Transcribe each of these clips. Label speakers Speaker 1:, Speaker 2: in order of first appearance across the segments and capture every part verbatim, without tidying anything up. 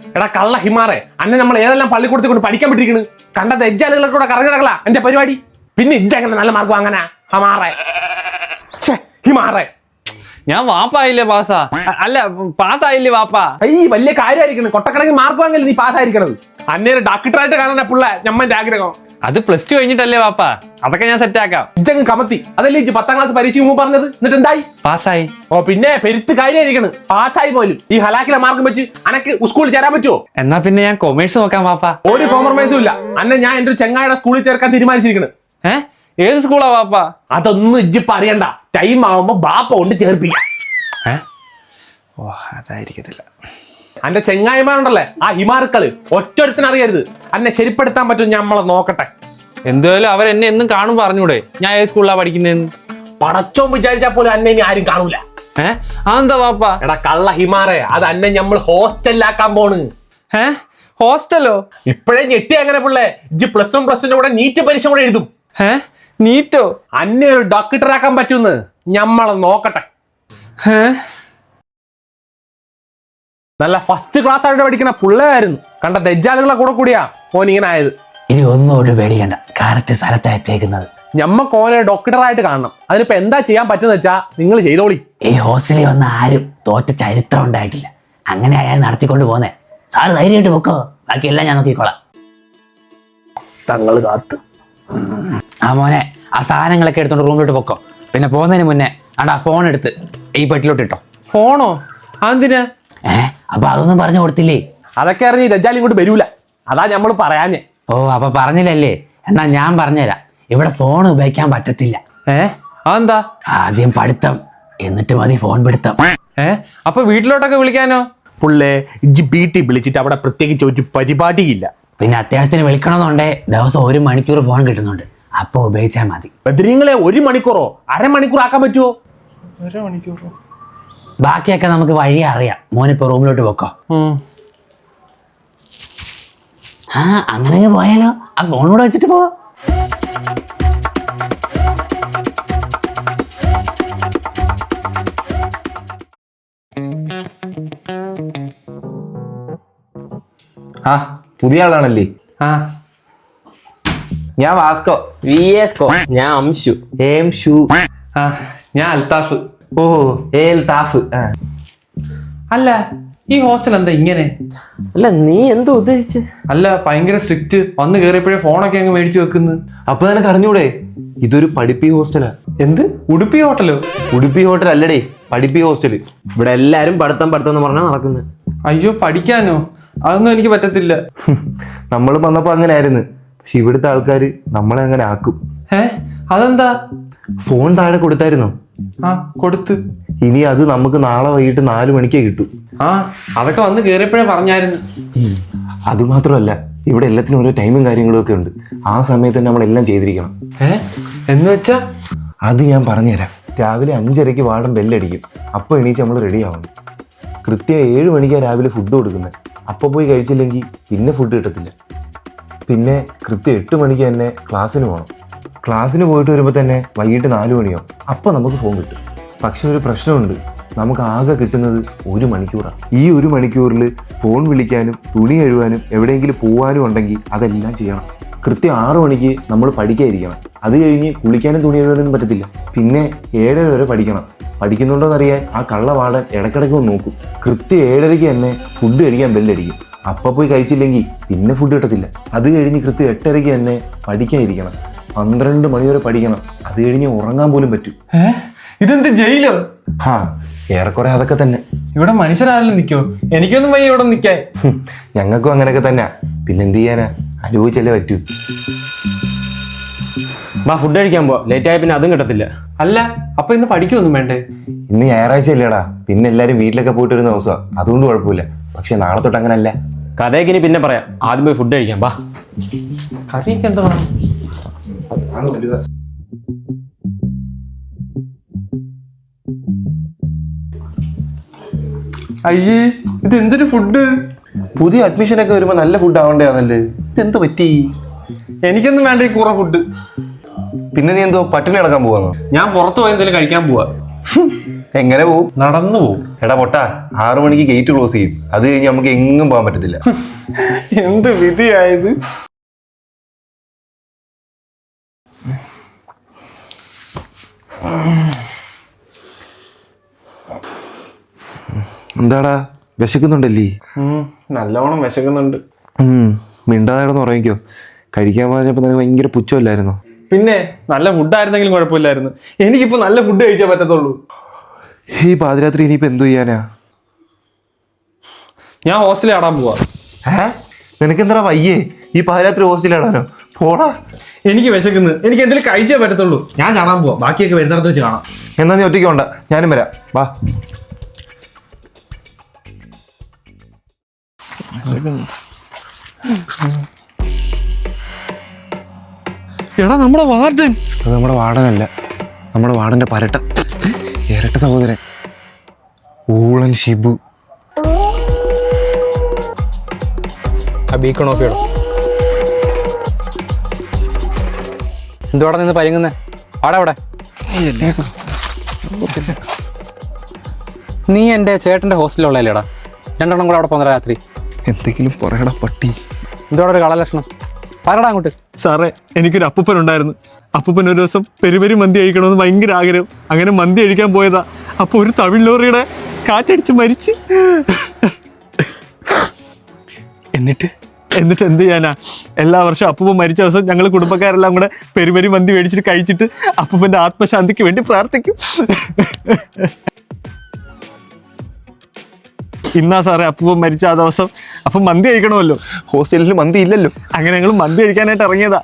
Speaker 1: എടാ കള്ള ഹിമാറെ, അന്നെ നമ്മൾ ഏതെല്ലാം പള്ളിക്കൂടത്തിൽ കൊണ്ട് പഠിക്കാൻ പറ്റിയിരിക്കണ്. കണ്ട തെജ്ജാലുകളൊക്കെ കൂടെ കറങ്ങി നടക്കല എന്റെ പരിപാടി. പിന്നെ ഇജ്ജങ്ങനെ നല്ല മാർക്ക് വാങ്ങാനാ ഹമാറെ ഹിമാറെ?
Speaker 2: ഞാൻ വാപ്പായില്ലേ പാസ്സാ? അല്ല പാസ്സായില്ലേ വാപ്പാ?
Speaker 1: ഈ വലിയ കാര്യമായിരിക്കണം, കൊട്ടക്കണക്കിന് മാർക്ക് വാങ്ങല്ലേ നീ പാസ്സായിരിക്കണത്. അന്നേ ഡോക്ടറായിട്ട് കാണാൻ പിള്ള ഞമ്മന്റെ ആഗ്രഹം.
Speaker 2: അത് പ്ലസ് ടു കഴിഞ്ഞിട്ടല്ലേ വാപ്പാ? അതൊക്കെ ഞാൻ സെറ്റ് ആക്കാം.
Speaker 1: ഇജ്ജങ്ങ് കമത്തി അതല്ലേ ഇജ്ജ് പത്താം ക്ലാസ് പരീക്ഷ മുമ്പ് പറഞ്ഞത്. എന്നിട്ട് എന്തായി?
Speaker 2: പാസ്സായി.
Speaker 1: ഓ പിന്നെ പെരുത്ത് കാര്യമായിരിക്കണം, പാസ്സായി പോലും. ഈ ഹലാക്കിലെ മാർക്കും വെച്ച് അനക്ക് സ്കൂളിൽ ചേരാൻ പറ്റുമോ?
Speaker 2: എന്നാ പിന്നെ ഞാൻ കൊമേഴ്സ് നോക്കാം വാപ്പാ.
Speaker 1: ഒരു കോംപ്രമൈസും ഇല്ല. അന്നെ ഞാൻ എന്റെ ഒരു ചെങ്ങായുടെ സ്കൂളിൽ ചേർക്കാൻ തീരുമാനിച്ചിരിക്കണ്.
Speaker 2: ഏഹ് ഏത് സ്കൂളാ വാപ്പാ?
Speaker 1: അതൊന്നും ഇജ്ജിപ്പ അറിയണ്ട, ടൈം ആവുമ്പോ ബാപ്പ കൊണ്ട് ചേർപ്പിക്കാം.
Speaker 2: ഓ അതായിരിക്കത്തില്ല.
Speaker 1: അന്റെ ചെങ്ങായിമാരുണ്ടല്ലേ ആ ഹിമാർക്കള്, ഒറ്റൊരുത്തിന് അറിയരുത്. അന്നെ ശരിപ്പെടുത്താൻ പറ്റും, നമ്മളെ നോക്കട്ടെ.
Speaker 2: എന്തായാലും അവരെന്നെ എന്നും കാണുമ്പോ പറഞ്ഞൂടെ ഞാൻ ഏത് സ്കൂളിലാ പഠിക്കുന്നതെന്ന്?
Speaker 1: പടച്ചോൻ വിചാരിച്ചാൽ പോലും അന്നെ ഇനി ആരും കാണൂല.
Speaker 2: ഏഹ് അതെന്താ വാപ്പാ?
Speaker 1: എടാ കള്ള ഹിമാറെ, അത് അന്നെ നമ്മൾ ഹോസ്റ്റലിലാക്കാൻ പോണ്.
Speaker 2: ഏഹ് ഹോസ്റ്റലോ?
Speaker 1: ഇപ്പോഴേ ഞെട്ടി അങ്ങനെ പിള്ളേ. ഇജ്ജ് പ്ലസ് വൺ പ്ലസിന്റെ കൂടെ നീറ്റ് പരീക്ഷ കൂടെ എഴുതും.
Speaker 2: ഏഹ് നീറ്റോ?
Speaker 1: അന്നെ ഒരു ഡോക്ടറാക്കാൻ പറ്റുമെന്ന് ഞമ്മളെ നോക്കട്ടെ.
Speaker 2: ഏഹ്
Speaker 1: നല്ല ഫസ്റ്റ് ക്ലാസ് ആയിട്ട് പഠിക്കണ പിള്ളേരായിരുന്നു. കണ്ട തെജ്ജാലുകളെ കൂടെ കൂടിയാ ഓൻ ഇങ്ങനെ ആയത്.
Speaker 3: ഇനി ഒന്നും പേടിക്കണ്ട, കറക്റ്റ് സ്ഥലത്താ എത്തിയേക്കുന്നത്.
Speaker 1: ഞമ്മക്ക് ഓനെ ഡോക്ടറായിട്ട് കാണണം. അതിനിപ്പോ എന്താ ചെയ്യാൻ പറ്റുന്ന വെച്ചാ നിങ്ങൾ ചെയ്തോളി.
Speaker 3: ഈ ഹോസ്റ്റലിൽ വന്ന ആരും തോറ്റ ചരിത്രം ഉണ്ടായിട്ടില്ല. അങ്ങനെ അയാൾ നടത്തിക്കൊണ്ട് പോന്നേ. സാറ് ധൈര്യമായിട്ട് പൊക്കോ, ബാക്കിയെല്ലാം ഞാൻ നോക്കിക്കോളാം.
Speaker 1: തങ്ങള് കാത്ത്.
Speaker 3: ആ മോനെ, ആ സാധനങ്ങളൊക്കെ എടുത്തോണ്ട് റൂമിലോട്ട് പൊക്കോ. പിന്നെ പോകുന്നതിന് മുന്നേ ആടാ ഫോൺ എടുത്ത് ഈ പെട്ടിലോട്ട് ഇട്ടോ.
Speaker 2: ഫോണോ? അതെന്തിനാ?
Speaker 3: ഏഹ് അപ്പൊ അതൊന്നും പറഞ്ഞു കൊടുത്തില്ലേ?
Speaker 1: അതൊക്കെ അറിഞ്ഞ് ദജ്ജാൽ ഇങ്ങോട്ട് വരൂല, അതാ നമ്മൾ പറയാഞ്ഞേ.
Speaker 3: ഓ അപ്പൊ പറഞ്ഞില്ലല്ലേ? എന്നാ ഞാൻ പറഞ്ഞുതരാം. ഇവിടെ ഫോൺ ഉപയോഗിക്കാൻ പറ്റത്തില്ല.
Speaker 2: ഏഹ് അതെന്താ?
Speaker 3: ആദ്യം പഠിത്തം, എന്നിട്ട് മതി ഫോൺ പിടുത്തം.
Speaker 2: ഏഹ് അപ്പൊ വീട്ടിലോട്ടൊക്കെ വിളിക്കാനോ?
Speaker 1: പുള്ളേ ഇജ്ജ് വീട്ടിൽ വിളിച്ചിട്ട് അവിടെ പ്രത്യേകിച്ച് ഒരു പരിപാടിയില്ല.
Speaker 3: പിന്നെ അത്യാവശ്യത്തിന് വിളിക്കണമെന്നുണ്ടേ ദിവസം ഒരു മണിക്കൂർ ഫോൺ കിട്ടുന്നുണ്ട്, അപ്പൊ ഉപയോഗിച്ചാൽ മതി.
Speaker 1: ബദ്രീങ്ങളെ ഒരു മണിക്കൂറോ അരമണിക്കൂർ ആക്കാൻ പറ്റുമോ?
Speaker 2: അരമണിക്കൂറോ?
Speaker 3: ബാക്കിയൊക്കെ നമുക്ക് വഴി അറിയാം. മോനിപ്പോ റൂമിലോട്ട് പോക്കോ. ആ അങ്ങനെ പോയാലോ? ആ ഫോണോട് വെച്ചിട്ട് പോ.
Speaker 4: ആ പുതിയ ആളാണല്ലേ?
Speaker 2: ആ
Speaker 4: ഞാൻ വാസ്കോ.
Speaker 5: വി എസ് കോ. ഞാൻ അംശു.
Speaker 4: ഏം ഷൂ.
Speaker 2: ആ ഞാൻ അൽത്താഫ്.
Speaker 4: ഓ ഏൽ താഫ്.
Speaker 2: അല്ല ഈ ഹോസ്റ്റൽ എന്താ ഇങ്ങനെ?
Speaker 5: അല്ല നീ എന്താ ഉദ്ദേശിച്ച്?
Speaker 2: അല്ല ഭയങ്കര സ്ട്രിക്റ്റ്, വന്ന് കേറിയപ്പോഴേ ഫോണൊക്കെ അങ്ങ് മേടിച്ചു വെക്കുന്നു.
Speaker 4: അപ്പൊ നിനക്ക് അറിഞ്ഞൂടെ ഇതൊരു പഠിപ്പി ഹോസ്റ്റലാ?
Speaker 2: എന്ത് ഉടുപ്പി ഹോട്ടലോ?
Speaker 4: ഉടുപ്പി ഹോട്ടൽ അല്ലടേ, പഠിപ്പി ഹോസ്റ്റല്.
Speaker 5: ഇവിടെ എല്ലാരും പഠിത്തം പഠിത്തം എന്ന് പറഞ്ഞാൽ നടക്കുന്നത്.
Speaker 2: അയ്യോ പഠിക്കാനോ? അതൊന്നും എനിക്ക് പറ്റത്തില്ല.
Speaker 4: നമ്മൾ വന്നപ്പോ അങ്ങനെ ആയിരുന്നു, പക്ഷെ ഇവിടുത്തെ ആൾക്കാര് നമ്മളെ അങ്ങനെ ആക്കും.
Speaker 2: ഏ അതെന്താ?
Speaker 4: ഫോൺ താഴെ കൊടുത്തായിരുന്നോ?
Speaker 2: ആ കൊടുത്ത്.
Speaker 4: ഇനി അത് നമുക്ക് നാളെ വൈകിട്ട് നാലു മണിക്കേ കിട്ടൂ.
Speaker 2: ആ അതൊക്കെ വന്ന് കേറിയപ്പോഴേ പറഞ്ഞായിരുന്നു.
Speaker 4: അത് മാത്രമല്ല ഇവിടെ എല്ലാത്തിനും ഓരോ ടൈമും കാര്യങ്ങളും ഒക്കെ ഉണ്ട്. ആ സമയത്ത് തന്നെ നമ്മളെല്ലാം ചെയ്തിരിക്കണം.
Speaker 2: ഏ എന്ന് വെച്ചാ?
Speaker 4: അത് ഞാൻ പറഞ്ഞുതരാം. രാവിലെ അഞ്ചരയ്ക്ക് വാർഡൻ ബെല്ലടിക്കും, അപ്പോൾ എണീച്ച് നമ്മൾ റെഡി ആവണം. കൃത്യം ഏഴ് മണിക്കാണ് രാവിലെ ഫുഡ് കൊടുക്കുന്നത്. അപ്പോൾ പോയി കഴിച്ചില്ലെങ്കിൽ പിന്നെ ഫുഡ് കിട്ടത്തില്ല. പിന്നെ കൃത്യം എട്ട് മണിക്ക് തന്നെ ക്ലാസ്സിന് പോകണം. ക്ലാസ്സിന് പോയിട്ട് വരുമ്പോൾ തന്നെ വൈകിട്ട് നാല് മണിയോ, അപ്പോൾ നമുക്ക് ഫോൺ കിട്ടും. പക്ഷെ ഒരു പ്രശ്നമുണ്ട്, നമുക്ക് ആകെ കിട്ടുന്നത് ഒരു മണിക്കൂറാണ്. ഈ ഒരു മണിക്കൂറിൽ ഫോൺ വിളിക്കാനും തുണി കഴുകാനും എവിടെയെങ്കിലും പോകാനും ഉണ്ടെങ്കിൽ അതെല്ലാം ചെയ്യണം. കൃത്യം ആറു മണിക്ക് നമ്മൾ പഠിക്കാതിരിക്കണം. അത് കഴിഞ്ഞ് കുളിക്കാനും തുണി കഴുകാനൊന്നും പറ്റത്തില്ല. പിന്നെ ഏഴര വരെ പഠിക്കണം. പഠിക്കുന്നുണ്ടോയെന്നറിയാൻ ആ കള്ള വാർഡൻ ഇടയ്ക്കിടയ്ക്ക് ഒന്ന് നോക്കും. കൃത്യം ഏഴരയ്ക്ക് തന്നെ ഫുഡ് കഴിക്കാൻ ബെല്ലടിക്കും. അപ്പം പോയി കഴിച്ചില്ലെങ്കിൽ പിന്നെ ഫുഡ് കിട്ടത്തില്ല. അത് കഴിഞ്ഞ് കൃത്യം എട്ടരയ്ക്ക് തന്നെ പഠിക്കാതിരിക്കണം. പന്ത്രണ്ട് മണിവരെ പഠിക്കണം. അത് കഴിഞ്ഞ് ഉറങ്ങാൻ പോലും പറ്റും.
Speaker 2: ഏ ഇതെന്ത് ജയിലോ?
Speaker 4: ആ ഏറെക്കുറെ അതൊക്കെ തന്നെ.
Speaker 2: ഇവിടെ മനുഷ്യരാരെങ്കിലും നിൽക്കോ? എനിക്കൊന്നും വയ്യ ഇവിടെ നിൽക്കാൻ.
Speaker 4: ഞങ്ങൾക്കും അങ്ങനെയൊക്കെ തന്നെ. പിന്നെന്ത് ചെയ്യാനാ, അനുഭവിച്ചല്ലേ പറ്റൂ.
Speaker 5: വാ ഫുഡ് കഴിക്കാൻ പോ, ലേറ്റ് ആയ പിന്നെ അതും കിട്ടത്തില്ല.
Speaker 2: അല്ല അപ്പൊ ഇന്ന് പഠിക്കൊന്നും വേണ്ടേ?
Speaker 4: ഇന്ന് ഞായറാഴ്ച അല്ലേടാ, പിന്നെ എല്ലാവരും വീട്ടിലൊക്കെ പോയിട്ട് വരുന്ന ദിവസമാണ്, അതുകൊണ്ട് കുഴപ്പമില്ല. പക്ഷെ നാളെ തൊട്ട് അങ്ങനല്ല.
Speaker 5: കഥയൊക്കെ ഇനി പിന്നെ പറയാം, ആദ്യം പോയി ഫുഡ് കഴിക്കാം. വാ.
Speaker 2: കറിയൊക്കെ എന്താ വേണം? അയ്യേ ഇത് എന്തൊരു ഫുഡ്?
Speaker 4: പുതിയ അഡ്മിഷൻ ഒക്കെ വരുമ്പോ നല്ല ഫുഡ് ആവണ്ടേ? അതല്ലേ ഇതെന്ത് പറ്റി?
Speaker 2: എനിക്കൊന്നും വേണ്ട ഈ കൂറ ഫുഡ്.
Speaker 4: പിന്നെ നീ എന്തോ പട്ടിണി കിടക്കാൻ പോവാന്നോ?
Speaker 2: ഞാൻ പുറത്തു പോയി എന്തെങ്കിലും കഴിക്കാൻ പോവാ.
Speaker 4: എങ്ങനെ പോവും?
Speaker 2: നടന്നു പോവും.
Speaker 4: എടാ പൊട്ടാ, ആറു മണിക്ക് ഗേറ്റ് ക്ലോസ് ചെയ്യും. അത് കഴിഞ്ഞ് നമുക്ക് എങ്ങും പോകാൻ പറ്റത്തില്ല.
Speaker 1: എന്ത് വിധിയായത്.
Speaker 4: എന്താടാ വിശക്കുന്നുണ്ടല്ലേ?
Speaker 1: നല്ലോണം വിശക്കുന്നുണ്ട്.
Speaker 4: മിണ്ടാതെ കിടന്ന് ഉറങ്ങിക്കോ. കഴിക്കാൻ പറഞ്ഞപ്പോ നിനക്ക് ഭയങ്കര പുച്ഛമല്ലായിരുന്നോ?
Speaker 1: പിന്നെ നല്ല ഫുഡായിരുന്നെങ്കിലും കുഴപ്പമില്ലായിരുന്നു. എനിക്കിപ്പോ നല്ല ഫുഡ് കഴിച്ചേ പറ്റത്തുള്ളൂ.
Speaker 4: ഈ പാതിരാത്രി ഇനിയിപ്പോ എന്തു ചെയ്യാനാ?
Speaker 1: ഞാൻ ഹോസ്റ്റലിൽ ആടാൻ പോവാ.
Speaker 4: ഏ നിനക്കെന്താ വയ്യേ? ഈ പാതിരാത്രി ഹോസ്റ്റലിലാടാനോ? പോടാ.
Speaker 1: എനിക്ക് വിശക്കുന്നു. എനിക്ക് എന്തെങ്കിലും കഴിച്ചേ പറ്റത്തുള്ളൂ. ഞാൻ ചാടാൻ പോവാ. ബാക്കിയൊക്കെ വരുന്നിടത്ത് വെച്ച് കാണാം.
Speaker 4: എന്നാ നീ ഒറ്റയ്ക്ക് കൊണ്ട, ഞാനും വരാം. വാ.
Speaker 1: എടാ നമ്മുടെ വാർഡൻ.
Speaker 4: അത് നമ്മുടെ വാർഡനല്ല, നമ്മുടെ വാർഡന്റെ പരട്ട ഇരട്ട സഹോദരൻ ഊളൻ ഷിബു.
Speaker 2: ബീക്കൺ ഓഫ് ചെയ്യണം. എന്തുവാടെ നിന്ന് പരിങ്ങുന്നേ? ആടെ അവിടെ നീ എൻ്റെ ചേട്ടൻ്റെ ഹോസ്റ്റലിലുള്ളല്ലേടാ? രണ്ടെണ്ണം കൂടെ അവിടെ പോകുന്ന രാത്രി.
Speaker 4: എന്തെങ്കിലും പറയടാ പട്ടി.
Speaker 2: എന്തുവാടെ ഒരു കളലക്ഷണം? പറയടാ അങ്ങോട്ട്.
Speaker 1: സാറേ, എനിക്കൊരു അപ്പൂപ്പൻ ഉണ്ടായിരുന്നു. അപ്പൂപ്പൻ ഒരു ദിവസം പെരുപെരി മന്തി കഴിക്കണമെന്ന് ഭയങ്കര ആഗ്രഹം. അങ്ങനെ മന്തി കഴിക്കാൻ പോയതാ. അപ്പൊ ഒരു തമിഴ് ലോറിയുടെ കാറ്റടിച്ച് മരിച്ച്. എന്നിട്ട് എന്നിട്ട് എന്ത് ചെയ്യാനാ? എല്ലാ വർഷവും അപ്പൂപ്പൻ മരിച്ച ദിവസം ഞങ്ങൾ കുടുംബക്കാരെല്ലാം കൂടെ പെരുപെരി മന്തി മേടിച്ചിട്ട് കഴിച്ചിട്ട് അപ്പൂപ്പന്റെ ആത്മശാന്തിക്ക് വേണ്ടി പ്രാർത്ഥിക്കും. ഇന്നാ സാറേ അപ്പൂപ്പൻ മരിച്ച ആ ദിവസം. അപ്പം മന്തി കഴിക്കണമല്ലോ.
Speaker 4: ഹോസ്റ്റലിൽ മന്തി ഇല്ലല്ലോ.
Speaker 1: അങ്ങനെ ഞങ്ങൾ മന്തി കഴിക്കാനായിട്ട് ഇറങ്ങിയതാ.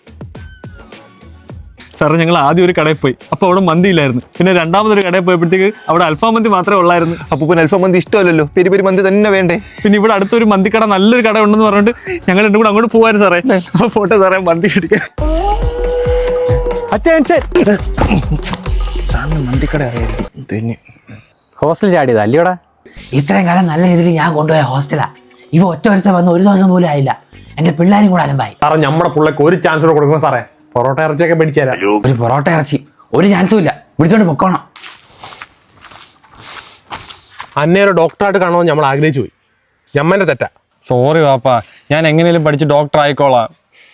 Speaker 1: സാറേ, ഞങ്ങൾ ആദ്യം ഒരു കടയിൽ പോയി. അപ്പോൾ അവിടെ മന്തി ഇല്ലായിരുന്നു. പിന്നെ രണ്ടാമതൊരു കടയിൽ പോയപ്പോഴത്തേക്ക് അവിടെ അൽഫാം മന്തി മാത്രമേ ഉള്ളായിരുന്നു.
Speaker 4: അപ്പൂപ്പൻ അൽഫാം മന്തി ഇഷ്ടമല്ലല്ലോ, പെരി പെരി മന്തി തന്നെ വേണ്ടേ?
Speaker 1: പിന്നെ ഇവിടെ അടുത്തൊരു മന്തിക്കട, നല്ലൊരു കട ഉണ്ടെന്ന് പറഞ്ഞിട്ട് ഞങ്ങൾ രണ്ടും കൂടെ അങ്ങോട്ട് പോകായിരുന്നു സാറേ. അപ്പോൾ പോട്ടെ സാറേ, മന്തി കഴിക്കാൻ. അറ്റൻഷൻ.
Speaker 4: സാറിന് മന്തിക്കട അറിയായിരിക്കും തന്നെ.
Speaker 2: ഹോസ്റ്റലിൽ ചാടിയതാ അല്ലയോടാ?
Speaker 3: ഇത്രയും കാലം നല്ല രീതിയിൽ ഞാൻ കൊണ്ടുപോയ ഹോസ്റ്റലാ. ഇവ ഒറ്റ ഒരുത്ത വന്ന് ഒരു ദിവസം പോലും ആയില്ല. എന്റെ പിള്ളേരും കൂടെ അലമ്പായി.
Speaker 1: സാറേ, നമ്മുടെ പിള്ളേക്ക് ഒരു ചാൻസ് കൂടെ കൊടുക്കണം സാറേ. പൊറോട്ട ഇറച്ചിയൊക്കെ പിടിച്ചു തരാം.
Speaker 3: ഒരു പൊറോട്ട ഇറച്ചി ഒരു ചാൻസും ഇല്ല. വിളിച്ചോണ്ട് പൊക്കോണം.
Speaker 1: അന്നേ ഒരു ഡോക്ടറായിട്ട് കാണുമെന്ന് നമ്മൾ ആഗ്രഹിച്ചു പോയി. ഞമ്മന്റെ തെറ്റാ.
Speaker 2: സോറി വാപ്പാ, ഞാൻ എങ്ങനെയും പഠിച്ച് ഡോക്ടർ ആയിക്കോളാം.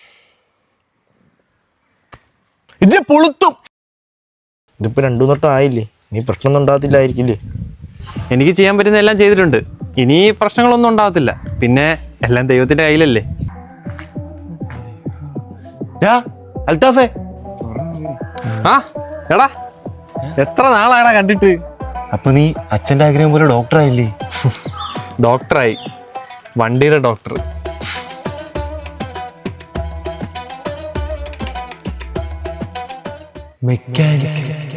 Speaker 1: ഇത് പുളുത്തും.
Speaker 4: ഇതിപ്പോ രണ്ടു തൊട്ടം ആയില്ലേ, നീ പ്രശ്നമൊന്നും ഉണ്ടാകത്തില്ലായിരിക്കില്ലേ?
Speaker 2: എനിക്ക് ചെയ്യാൻ പറ്റുന്ന എല്ലാം ചെയ്തിട്ടുണ്ട്. ഇനി പ്രശ്നങ്ങളൊന്നും ഉണ്ടാകത്തില്ല. പിന്നെ എല്ലാം ദൈവത്തിന്റെ കയ്യിലല്ലേ.
Speaker 4: അൽത്താഫേ,
Speaker 2: ആ എടാ, എത്ര നാളായടാ കണ്ടിട്ട്.
Speaker 4: അപ്പൊ നീ അച്ഛന്റെ ആഗ്രഹം പോലെ ഡോക്ടറായില്ലേ?
Speaker 2: ഡോക്ടറായി, വണ്ടിയുടെ ഡോക്ടർ.
Speaker 4: മെക്കാനിക്.